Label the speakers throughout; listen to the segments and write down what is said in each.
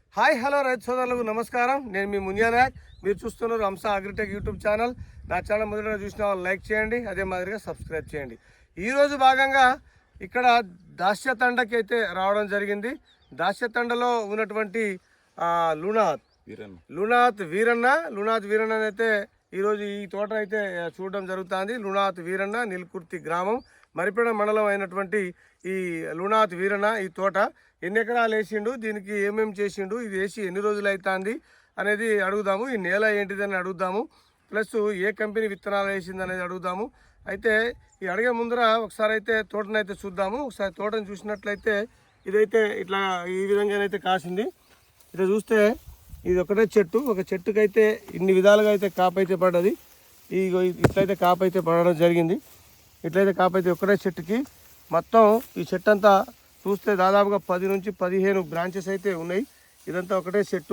Speaker 1: Hi hello రైతు సోదరులకు నమస్కారం. నేను మీ మునియా నాయక్. మీరు చూస్తున్నారు హంస అగ్రిటెక్ యూట్యూబ్ ఛానల్. నా ఛానల్ మొదటగా చూసిన వాళ్ళు లైక్ చేయండి, అదే మాదిరిగా సబ్స్క్రైబ్ చేయండి. ఈరోజు భాగంగా ఇక్కడ దాస్యతండకి అయితే రావడం జరిగింది. దాస్యతండలో ఉన్నటువంటి లునాథ్ వీరన్న అయితే ఈరోజు ఈ తోట అయితే చూడడం జరుగుతుంది. లునాథ్ వీరన్న నిల్కుర్తి గ్రామం మరిపేడ మండలం అయినటువంటి ఈ లునాథ్ వీరన్న ఈ తోట ఎన్ని ఎకరాలు వేసిండు, దీనికి ఏమేమి చేసిండు, ఇది వేసి ఎన్ని రోజులు అవుతుంది అనేది అడుగుదాము. ఈ నేల ఏంటిదని అడుగుదాము, ప్లస్ ఏ కంపెనీ విత్తనాలు వేసింది అనేది అడుగుదాము. అయితే ఈ అడిగే ముందర ఒకసారి అయితే తోటనైతే చూద్దాము. ఒకసారి తోటను చూసినట్లయితే ఇదైతే ఇట్లా ఈ విధంగానైతే కాసింది. ఇట్లా చూస్తే ఇది ఒకటే చెట్టు, ఒక చెట్టుకైతే ఇన్ని విధాలుగా అయితే కాపైతే పడ్డది. ఈ ఇట్లయితే కాపైతే పడడం జరిగింది. ఇట్లయితే కాపైతే ఒకటే చెట్టుకి మొత్తం ఈ చెట్టు అంతా చూస్తే దాదాపుగా 10 నుంచి 15 బ్రాంచెస్ అయితే ఉన్నాయి. ఇదంతా ఒకటే చెట్టు,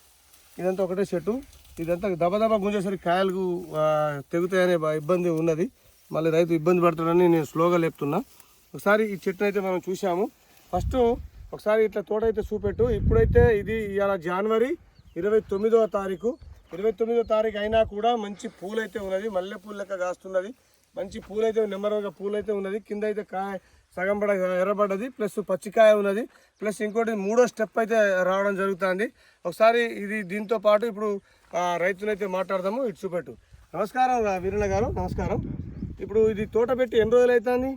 Speaker 1: ఇదంతా దబదబా గుంజేసరికి కాయలు తెగుతాయనే ఇబ్బంది ఉన్నది. మళ్ళీ రైతు ఇబ్బంది పడుతుందని నేను స్లోగా లేపుతున్నా. ఒకసారి ఈ చెట్టును అయితే మనం చూసాము. ఫస్ట్ ఒకసారి ఇట్లా తోట అయితే చూపెట్టు. ఇప్పుడైతే ఇది ఇవాళ జనవరి 29వ తారీఖు. 29వ తారీఖు అయినా కూడా మంచి పూలైతే ఉన్నది, మల్లె పూలు లెక్క కాస్తున్నది. మంచి పూలైతే నెమ్మదిగా పూలైతే ఉన్నది. కింద అయితే కాయ సగం పడ ఎర్రబడ్డది, ప్లస్ పచ్చికాయ ఉన్నది, ప్లస్ ఇంకోటి 3వ స్టెప్ అయితే రావడం జరుగుతుంది. ఒకసారి ఇది దీంతో పాటు ఇప్పుడు రైతునైతే మాట్లాడదాము. ఇటు చూపెట్టు. నమస్కారం వీరన్న గారు, నమస్కారం. ఇప్పుడు ఇది తోట పెట్టి ఎన్ని రోజులు అవుతుంది?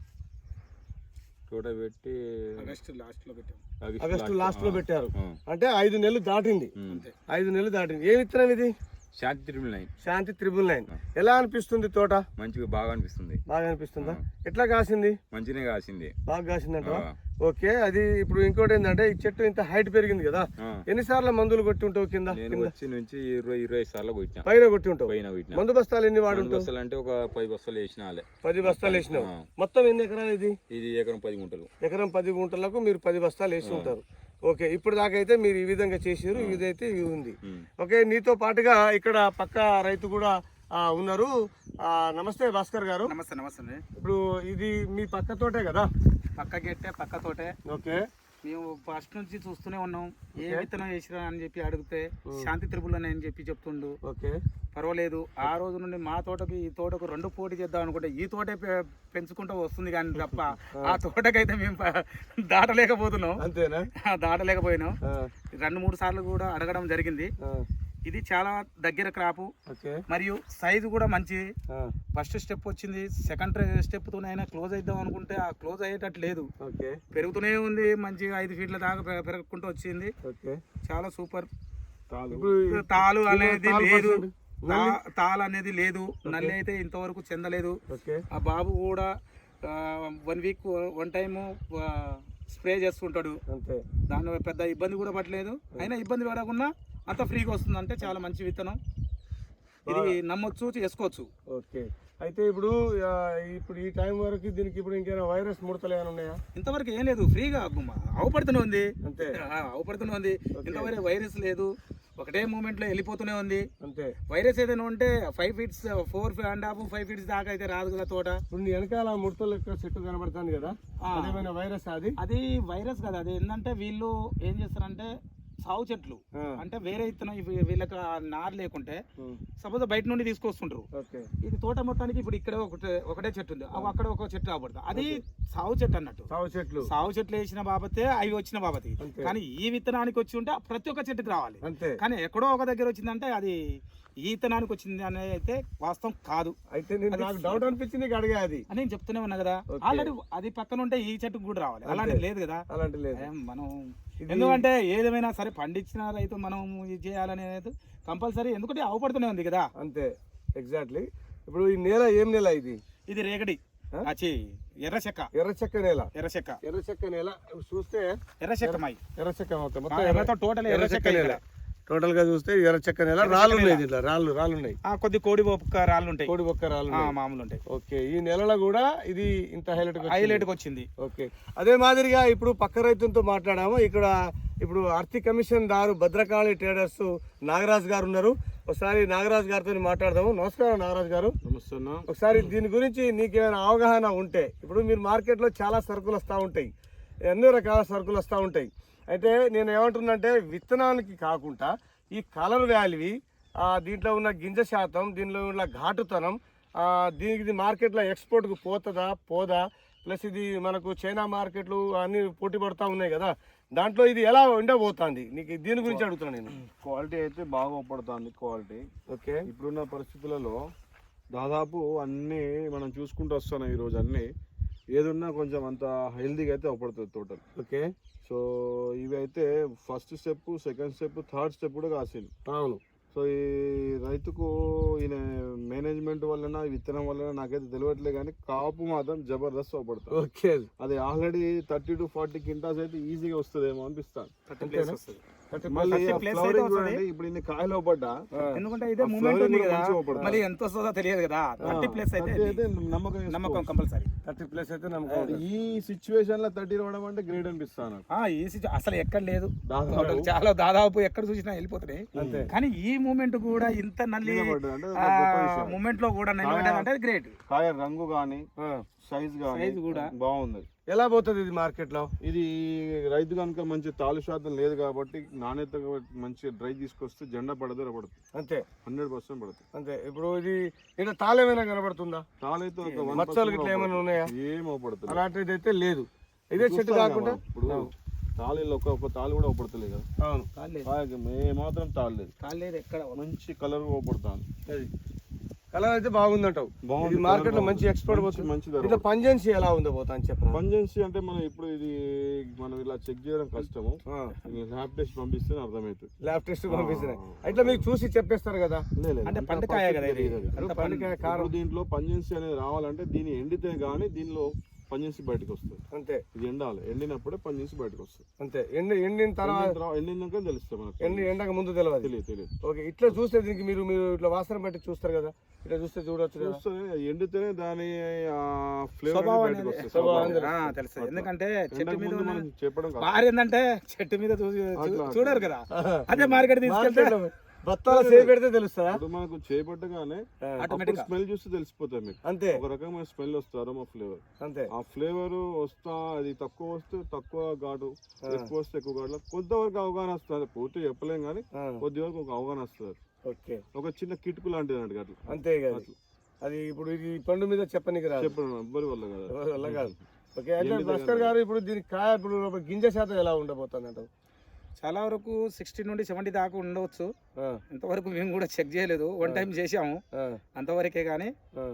Speaker 2: తోట పెట్టి
Speaker 1: ఆగస్టు లాస్ట్లో పెట్టారు, అంటే 5 నెలలు దాటింది. 5 నెలలు దాటింది. ఏ విత్తనం ఇది? శాంతి త్రిబుల్ 9. ఎలా అనిపిస్తుంది తోట?
Speaker 2: మంచిగా బాగా
Speaker 1: అనిపిస్తుందా? ఎట్లా కాసింది?
Speaker 2: మంచిగా కాసింది,
Speaker 1: బాగా కాసిందంట. ఓకే. అది ఇప్పుడు ఇంకోటి ఏంటంటే ఈ చెట్టు ఇంత హైట్ పెరిగింది కదా, ఎన్నిసార్లు మందులు కొట్టి ఉంటావు? కింద
Speaker 2: నుంచి 20 సార్లు కొట్టినా.
Speaker 1: పైన కొట్టి ఉంటావు. మందు బస్తాలు ఎన్ని వాడుంటావు?
Speaker 2: అంటే ఒక 10 బస్తాలు వేసిన.
Speaker 1: 10 బస్తాలు వేసినావు. మొత్తం ఎన్ని ఎకరాలు ఇది?
Speaker 2: ఇది ఎకరం 10 గుంటలు.
Speaker 1: ఎకరం 10 గుంటలకు మీరు 10 బస్తాలు వేసి ఉంటారు. ఓకే. ఇప్పుడు దాకా అయితే మీరు ఈ విధంగా చేసారు, ఇదైతే ఇది ఉంది. ఓకే. నీతో పాటుగా ఇక్కడ పక్క రైతు కూడా ఉన్నారు. నమస్తే భాస్కర్ గారు.
Speaker 3: నమస్తే.
Speaker 1: ఇప్పుడు ఇది మీ పక్క తోటే కదా?
Speaker 3: పక్క తోటే.
Speaker 1: ఓకే.
Speaker 3: మేము ఫస్ట్ నుంచి చూస్తూనే ఉన్నాం. ఏ విత్తనం వేసిరా అని చెప్పి అడిగితే శాంతి త్రిబుల్ అని చెప్పి చెప్తుండు.
Speaker 1: ఓకే,
Speaker 3: పర్వాలేదు. ఆ రోజు నుండి మా తోటకి ఈ తోటకు 2 పోటీ చేద్దాం అనుకుంటే ఈ తోటే పెంచుకుంటూ వస్తుంది కానీ తప్ప ఆ తోటకైతే మేము దాటలేకపోతున్నాం.
Speaker 1: అంతేనా?
Speaker 3: దాటలేకపోయినాం. 2-3 సార్లు కూడా అడగడం జరిగింది. ఇది చాలా దగ్గర క్రాపు, మరియు సైజు కూడా మంచి. ఫస్ట్ స్టెప్ వచ్చింది, సెకండ్ స్టెప్ తోనైనా క్లోజ్ అయిద్దాం అనుకుంటే ఆ క్లోజ్ అయ్యేటట్టు లేదు, పెరుగుతూనే ఉంది. మంచిగా 5 ఫీట్ల దాకా పెరుగుకుంటూ వచ్చింది. చాలా సూపర్. తాలు అనేది లేదు, నల్లి అయితే ఇంతవరకు చెందలేదు. ఆ బాబు కూడా 1 వీక్ 1 టైము స్ప్రే చేసుకుంటాడు. దాని పెద్ద ఇబ్బంది కూడా పట్టలేదు. అయినా ఇబ్బంది పడకుండా అంత ఫ్రీగా వస్తుంది. అంటే చాలా మంచి విత్తనం, ఇది నమ్మొచ్చు, చేసుకోవచ్చు.
Speaker 1: ఓకే. అయితే ఇప్పుడు ఈ టైం వరకు దీనికి ఇప్పుడు ఇంకేమైనా వైరస్ ముడతలు ఏమైనా ఉన్నాయా?
Speaker 3: ఇంతవరకు ఏం లేదు, ఫ్రీగా అవపడుతూనే ఉంది. ఇంతవరకు వైరస్ లేదు, ఒకటే మూమెంట్ లో వెళ్ళిపోతూనే ఉంది.
Speaker 1: అంతే.
Speaker 3: వైరస్ ఏదైనా ఉంటే 5 ఫీట్స్ 4.5 5 ఫీట్స్ దాకా అయితే రాదు కదా తోట.
Speaker 1: ఇప్పుడు వెనకాల ముడతలు లెక్క చెట్టు కనబడుతుంది కదా, అదేమైనా వైరస్? అది
Speaker 3: వైరస్ కదా. అది ఏంటంటే వీళ్ళు ఏం చేస్తారంటే సాగు చెట్లు అంటే వేరే ఇత్తనం వీళ్ళకి నారు లేకుంటే సపోజ్ బయట నుండి తీసుకొస్తుంటారు. ఇది తోట మొత్తానికి ఇప్పుడు ఇక్కడ ఒకటే చెట్టు ఉంది, అక్కడ ఒక చెట్టు రాబడుతుంది. అది సాగు చెట్టు అన్నట్టు. సాగు చెట్లు వేసిన బాబతే అవి వచ్చిన బాబతి. కానీ ఈ విత్తనానికి వచ్చి ఉంటే ప్రతి ఒక్క చెట్టుకి రావాలి. కానీ ఎక్కడో ఒక దగ్గర వచ్చిందంటే అది ఈ విత్తనానికి వచ్చింది అనేది అయితే వాస్తవం కాదు.
Speaker 1: అయితే నాకు డౌట్ అనిపించింది, అడిగా అది
Speaker 3: అని నేను చెప్తూనే ఉన్నా కదా. ఆల్రెడీ అది పక్కన ఉంటే ఈ చెట్టుకు కూడా రావాలి. అలాంటి లేదు కదా. మనం ఎందుకంటే ఏదేమైనా సరే పండించిన రైతు మనం ఇది చేయాలనేది కంపల్సరీ, ఎందుకంటే అవపడుతూనే ఉంది కదా.
Speaker 1: అంతే, ఎగ్జాక్ట్లీ. ఇప్పుడు ఈ నేల ఏం నేల?
Speaker 3: ఇది రేగడి, ఎర్రచెక్క నేల.
Speaker 1: చూస్తే
Speaker 3: ఎర్రచెక్క టోటల్ ఎర్రచెక్క నేల.
Speaker 1: టోటల్ గా చూస్తే ఎర్రచెక్క నేల. రాళ్ళు ఉన్నాయి, రాళ్ళు ఉన్నాయి,
Speaker 3: కొద్ది కోడి బొక్క రాళ్ళు ఉంటాయి, మామూలు ఉంటాయి.
Speaker 1: ఓకే. ఈ నెలలో కూడా ఇది ఇంత
Speaker 3: హైలైట్ వచ్చింది.
Speaker 1: ఓకే. అదే మాదిరిగా ఇప్పుడు పక్క రైతులతో మాట్లాడాము. ఇప్పుడు ఆర్థిక కమిషన్ దారు భద్రకాళి ట్రేడర్స్ నాగరాజ్ గారు ఉన్నారు. ఒకసారి నాగరాజ్ గారితో మాట్లాడదాము. నమస్కారం నాగరాజ్ గారు.
Speaker 2: నమస్తే.
Speaker 1: ఒకసారి దీని గురించి నీకేమైనా అవగాహన ఉంటే, ఇప్పుడు మీరు మార్కెట్లో చాలా సరుకులు వస్తూ ఉంటాయి, ఎన్నో రకాల సరుకులు వస్తూ ఉంటాయి. అయితే నేను ఏమంటున్నానంటే విత్తనానికి కాకుండా ఈ కలర్ వాల్యూ, దీంట్లో ఉన్న గింజ శాతం, దీనిలో ఉన్న ఘాటుతనం, దీనికి ఇది మార్కెట్లో ఎక్స్పోర్ట్కు పోదా, ప్లస్ ఇది మనకు చైనా మార్కెట్లు అన్నీ పోటీ పడుతూ ఉన్నాయి కదా, దాంట్లో ఇది ఎలా ఉండబోతుంది నీకు దీని గురించి అడుగుతున్నాను నేను.
Speaker 4: క్వాలిటీ అయితే బాగా ఉపడుతుంది. Quality
Speaker 1: okay.
Speaker 4: ఇప్పుడున్న పరిస్థితులలో దాదాపు అన్నీ మనం చూసుకుంటూ వస్తున్నాం ఈరోజు. అన్నీ ఏదున్నా కొంచెం అంత హెల్దీగా అయితే ఉపడుతుంది టోటల్.
Speaker 1: ఓకే.
Speaker 4: సో ఇవి అయితే first step, second step, third step కూడా కాసింది.
Speaker 1: అవును.
Speaker 4: సో ఈ రైతుకు ఈయన మేనేజ్మెంట్ వలన, విత్తనం వలన నాకైతే తెలియట్లేదు, కానీ కాపు మాత్రం జబర్దస్త్ ఉపడుతుంది.
Speaker 1: ఓకే.
Speaker 4: అది ఆల్రెడీ 30 to 40 క్వింటాల్స్ అయితే ఈజీగా వస్తుందేమో అనిపిస్తాను.
Speaker 3: మళ్ళీ
Speaker 4: ఫ్లవరింగ్ చూడండి, ఇప్పుడు ఇన్ని కాయలు పడ్డా,
Speaker 3: ఎందుకంటే ఇదే మూమెంట్ ఉంది కదా, మళ్ళీ ఎంత వస్తుందో తెలియదు కదా. 30+ అయితే నమ్మకం కంపల్సరీ.
Speaker 1: 30+ అయితే నమ్మకం.
Speaker 4: ఈ సిచ్యువేషన్ లో 30 రావడం అంటే గ్రేట్ అనిపిస్తాను.
Speaker 3: అసలు ఎక్కడ లేదు, చాలా దాదాపు ఎక్కడ చూసినా వెళ్ళిపోతున్నాయి. కానీ ఈ మూమెంట్ కూడా ఇంత నల్లి మూమెంట్ లో కూడా అంటే గ్రేట్.
Speaker 4: కాయ రంగు గానీ, సైజ్ కూడా బాగుంది.
Speaker 1: ఎలా పోతుంది ఇది మార్కెట్ లో?
Speaker 4: ఇది రైతు కనుక మంచి తాలు శాతం లేదు కాబట్టి నాణ్యత మంచి డ్రై తీసుకొస్తే జెండా పడదు పడుతుంది.
Speaker 1: అంతే,
Speaker 4: 100% పడుతుంది.
Speaker 1: అంతే. ఇప్పుడు ఇది ఇక్కడ తాళేమైనా కనబడుతుందా?
Speaker 4: తాళైతే
Speaker 1: మచ్చలు గిట్ల ఏమైనా ఉన్నాయా?
Speaker 4: ఏమవుపడుతుంది,
Speaker 1: అలాంటిది అయితే లేదు. ఇదే చెట్టు కాకుండా
Speaker 4: ఇప్పుడు తాళీలో ఒక తాళి కూడా అవపడతలేదు కదా.
Speaker 1: అవును,
Speaker 4: మాత్రం తాళలేదు,
Speaker 3: ఎక్కడ
Speaker 4: మంచి కలర్ అవపడుతుంది.
Speaker 1: అది కలర్ అయితే బాగుందంటావు. ఇది మార్కెట్ లో మంచి ఎక్స్పోర్ట్ పోతుంది.
Speaker 4: మంచి
Speaker 1: ఇట్లా పంజెన్సీ ఎలా ఉందో పోతా అని చెప్పాను.
Speaker 4: పంజెన్సీ అంటే మనం ఇప్పుడు ఇది మనం ఇలా చెక్ చేయడం కష్టము. ల్యాబ్ టెస్ట్ పంపిస్తే అర్థమవుతుంది.
Speaker 1: ల్యాబ్ టెస్ట్ పంపిస్తున్నాయి ఇట్లా మీకు చూసి చెప్పేస్తారు కదా.
Speaker 3: అంటే పండుకాయ కదా ఇది.
Speaker 1: పండుకాయ కారం.
Speaker 4: దీంట్లో పంజెన్సీ అనేది రావాలంటే దీన్ని ఎండితే గానీ దీనిలో పంజెన్సీ బయటకు వస్తుంది.
Speaker 1: అంతే,
Speaker 4: ఇది ఎండాలి, ఎండినప్పుడే పంజెన్సీ బయటకు వస్తుంది.
Speaker 1: అంతే. ఎండిన తర్వాత
Speaker 4: ఎండినాక తెలుస్తుంది మనకు.
Speaker 1: ఎండక ముందు తెలియదు. ఓకే. ఇట్లా చూస్తే దీనికి మీరు ఇట్లా వాసన బట్టి చూస్తారు కదా, ఇట్లా చూస్తే చూడొచ్చు.
Speaker 4: ఎండితేనే దాని ఫ్లేవర్ బయటకు వస్తుంది.
Speaker 3: తెలుస్తుంది. ఎందుకంటే చెట్టు మీద
Speaker 4: చెప్పడం
Speaker 3: ఏంటంటే చెట్టు మీద చూడరు కదా, అదే మార్కెట్ తీసుకెళ్తే
Speaker 1: బత్తాల చేయి పెడితే తెలుస్తుందా?
Speaker 4: ఇప్పుడు మనకు చేపట్టగానే స్మెల్ చూస్తే తెలిసిపోతాయి మీకు.
Speaker 1: అంతే,
Speaker 4: ఒక రకమైన స్మెల్ వస్తారు మా ఫ్లేవర్.
Speaker 1: అంతే.
Speaker 4: ఆ ఫ్లేవర్ వస్తా, అది తక్కువ వస్తే తక్కువ ఘాటు, ఎక్కువ వస్తే ఎక్కువ ఘాటు. కొంతవరకు అవగాహన వస్తుంది, పూర్తి చెప్పలేం కానీ కొద్ది వరకు ఒక అవగాహన వస్తుంది.
Speaker 1: ఓకే.
Speaker 4: ఒక చిన్న కిటుకు లాంటిది అన్నట్టు అట్లా.
Speaker 1: అంతే కదా. అది ఇప్పుడు ఇది పండు మీద చెప్పనీకి రాదు,
Speaker 4: చెప్పడం ఎవ్వరి వల్ల కాదు,
Speaker 1: వల్ల కాదు. ఓకే. అయితే భాస్కర్ గారు ఇప్పుడు దీనికి కాయ ఇప్పుడు గింజ శాతం ఎలా ఉండబోతుంది అంటారు?
Speaker 3: చాలా వరకు 60 నుండి 70 దాకా ఉండవచ్చు. ఇంతవరకు మేము కూడా చెక్ చేయలేదు, 1 టైం చేసాము అంతవరకే. కానీ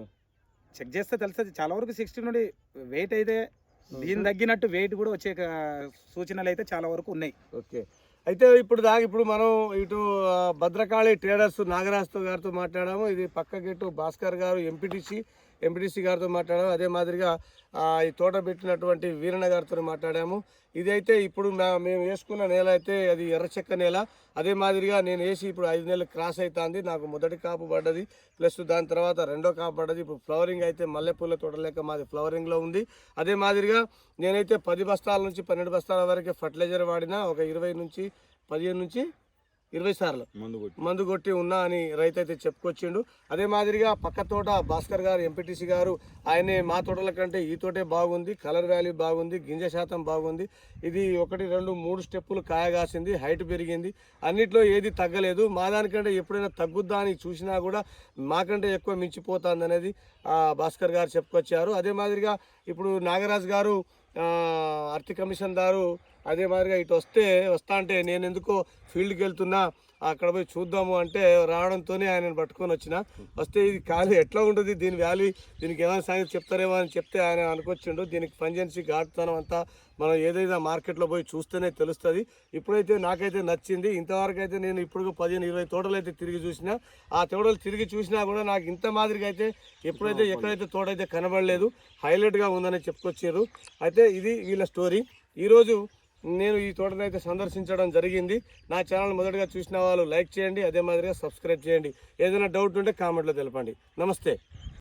Speaker 3: చెక్ చేస్తే తెలుస్తుంది. చాలా వరకు 60 నుండి వెయిట్ అయితే దీని తగ్గినట్టు వెయిట్ కూడా వచ్చే సూచనలు అయితే చాలా వరకు ఉన్నాయి.
Speaker 1: ఓకే. అయితే ఇప్పుడు మనం ఇటు భద్రకాళి ట్రేడర్స్ నాగరాజు గారితో మాట్లాడాము. ఇది పక్క గెట్టు భాస్కర్ గారు ఎంపీటీసీ గారితో మాట్లాడాము. అదే మాదిరిగా ఈ తోట పెట్టినటువంటి వీరన్న గారితో మాట్లాడాము. ఇదైతే ఇప్పుడు మేము వేసుకున్న నేల అయితే అది ఎర్రచెక్క నేల. అదే మాదిరిగా నేను వేసి ఇప్పుడు 5 నెలలు క్రాస్ అవుతుంది. నాకు మొదటి కాపు పడ్డది, ప్లస్ దాని తర్వాత రెండో కాపు పడ్డది. ఇప్పుడు ఫ్లవరింగ్ అయితే మల్లెపూల తోట లేక మాది ఫ్లవరింగ్లో ఉంది. అదే మాదిరిగా నేనైతే 10 బస్తాల నుంచి 12 బస్తాల వరకు ఫర్టిలైజర్ వాడినా, ఒక 20 నుంచి 15 నుంచి 20 సార్లు మందు కొట్టి ఉన్నా అని రైతు అయితే చెప్పుకొచ్చిండు. అదే మాదిరిగా పక్క తోట భాస్కర్ గారు ఎంపీటీసీ గారు ఆయనే మా తోటల కంటే ఈ తోటే బాగుంది, కలర్ వాల్యూ బాగుంది, గింజ శాతం బాగుంది, ఇది 1, 2, 3 స్టెప్పులు కాయ కాసింది, హైట్ పెరిగింది, అన్నిట్లో ఏది తగ్గలేదు. మా దానికంటే ఎప్పుడైనా తగ్గుద్దా అని చూసినా కూడా మాకంటే ఎక్కువ మించిపోతుంది అనేది భాస్కర్ గారు చెప్పుకొచ్చారు. అదే మాదిరిగా ఇప్పుడు నాగరాజు గారు ఆర్థిక కమిషన్ దారు అదే మాదిరిగా ఇటు వస్తా అంటే నేను ఎందుకో ఫీల్డ్కి వెళ్తున్నా, అక్కడ పోయి చూద్దాము అంటే రావడంతోనే ఆయనను పట్టుకొని వచ్చిన. వస్తే ఇది ఖాళీ ఎట్లా ఉంటుంది, దీని వాల్యూ, దీనికి ఏమైనా సంగతి చెప్తారేమో అని చెప్తే ఆయన అనుకొచ్చిండు. దీనికి పంజెన్సీ ఘాటుతనం అంతా మనం ఏదైనా మార్కెట్లో పోయి చూస్తేనే తెలుస్తుంది. ఇప్పుడైతే నాకైతే నచ్చింది. ఇంతవరకు అయితే నేను ఇప్పుడు 15-20 తోటలు అయితే తిరిగి చూసిన. ఆ తోటలు తిరిగి చూసినా కూడా నాకు ఇంత మాదిరిగా అయితే ఎక్కడైతే తోట అయితే కనబడలేదు. హైలైట్గా ఉందని చెప్పుకొచ్చారు. అయితే ఇది వీళ్ళ స్టోరీ. ఈరోజు నేను ఈ తోటను అయితే సందర్శించడం జరిగింది. నా ఛానల్ మొదటగా చూసిన వాళ్ళు లైక్ చేయండి, అదే మాదిరిగా సబ్స్క్రైబ్ చేయండి. ఏదైనా డౌట్ ఉంటే కామెంట్లో తెలపండి. నమస్తే.